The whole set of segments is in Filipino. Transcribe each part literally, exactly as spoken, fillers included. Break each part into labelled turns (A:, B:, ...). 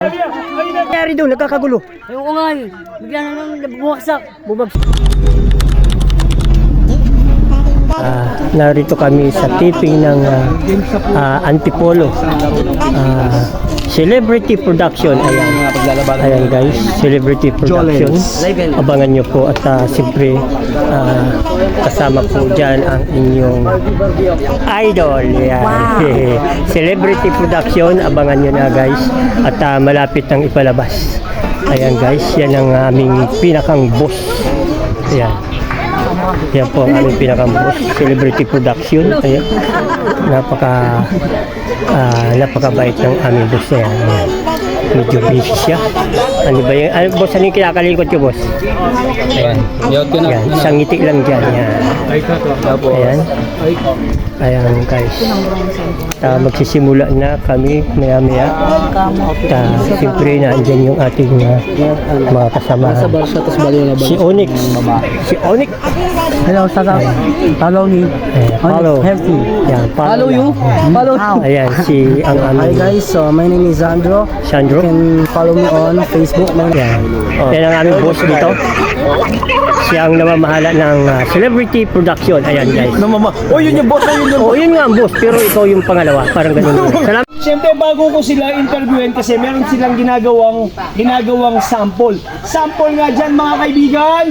A: Nangyari doon, nagkakagulo.
B: Ayoko nga eh. Bigla na nang bumagsak.
A: Bumagsak. Ah, narito kami sa taping ng ah, ah, Antipolo ah, Celebrity Production. Ayan. Ayan guys, Celebrity Production. Abangan nyo po at uh, siyempre uh, kasama po dyan ang inyong idol. Ayan. Wow. Celebrity Production, abangan nyo na guys. At uh, malapit nang ipalabas. Ayan guys, yan ang aming pinakang boss. Ayan. Yan po ang aming pinaka-boss, Celebrity Production. Ayan. Napaka uh, napakabait ng aming boss na yan. Ayan. Medyo busy siya. Ano ba yung, ano, boss, ano yung kinakalikot ko, boss? Ayan. Ayan. Isang ngiti lang dyan. Ayan. Ayan. Ayan guys. Uh, magsisimula na kami maya-maya. At uh, siyempre na andyan yung ating uh, mga kasama. Si Onyx. Si Onyx.
B: Hello, Saka. Follow me.
A: Ayan, follow.
B: Healthy.
A: Ayan,
B: Follow you. Follow you.
A: Ayan, si ang
B: Hi
A: aming
B: guys, so my name is Sandro.
A: Sandro.
B: You can follow me on Facebook. My
A: Yan. Yan ang aming boss dito. Siya ang namamahala ng uh, Celebrity Production. Ayan guys.
C: Namama. Oh, yun yung boss, oh, yun yung
A: Oh, yun nga ang boss, pero ikaw yung pangalawa. Parang ganun. Salamat.
C: Siyempre bago ko sila interviewin kasi meron silang ginagawang ginagawang sample. Sample nga dyan mga kaibigan.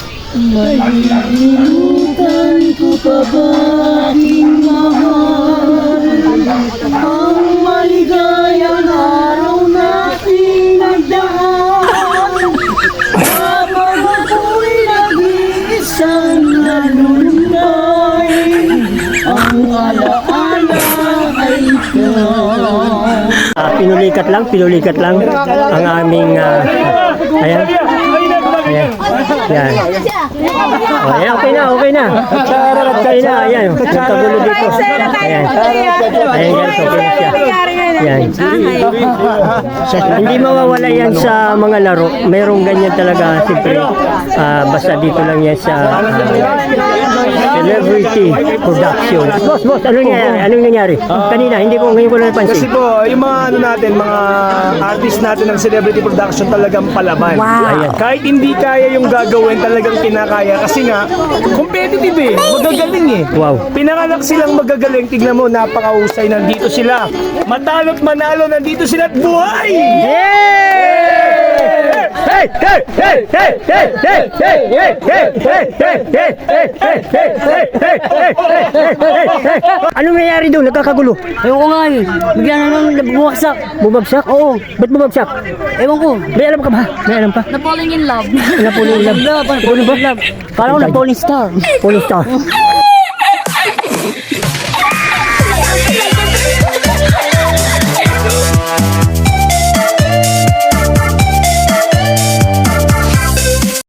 C: Malilimutan ko pa ba aking mahal ang maligayang araw nating nagdaan habang ako'y nag-iisang nalulunay ang alaala ay ikaw.
A: Uh, pinulikat lang, pinulikat lang ang aming uh, ayan. Ayan. Ayan. Oh, ayan, okay na, okay na. Okay na, ayan. Nagkagulo dito. Ayan. Ayan guys, okay na siya. Ayan. Hindi mawawala yan sa mga laro. Mayroong ganyan talaga, siyempre. Uh, basta dito lang yan sa uh, Celebrity Production. Boss, boss, ano nangyari? Anong nangyari? Kanina, hindi ko, ngayon ko lang napansin.
C: Kasi po, yung mga ano natin, mga artist natin ng Celebrity Production talagang palaban.
A: Ayan.
C: Kahit hindi kaya yung gagawin, talagang kinakaya. Kasi nga, competitive eh. Magagaling eh.
A: Wow.
C: Pinanganak silang magagaling. Tignan mo, napakahusay. Nandito sila. Matalo't manalo, nandito sila at buhay!
A: Yeah! Hey, hey, hey, hey, hey, hey, hey, hey, hey, hey, hey, hey, hey, hey, hey, hey, hey, hey. Anong nangyari doon? Nagkakagulo.
B: Ayoko nga eh. Bigla na nang bumagsak.
A: Bumagsak? Oo. Ba't bumagsak?
B: Ewan ko.
A: May alam ka ba? May alam pa?
B: Na falling in love.
A: Na falling in love.
B: Falling in love. Parang ko na falling star.
A: Falling star.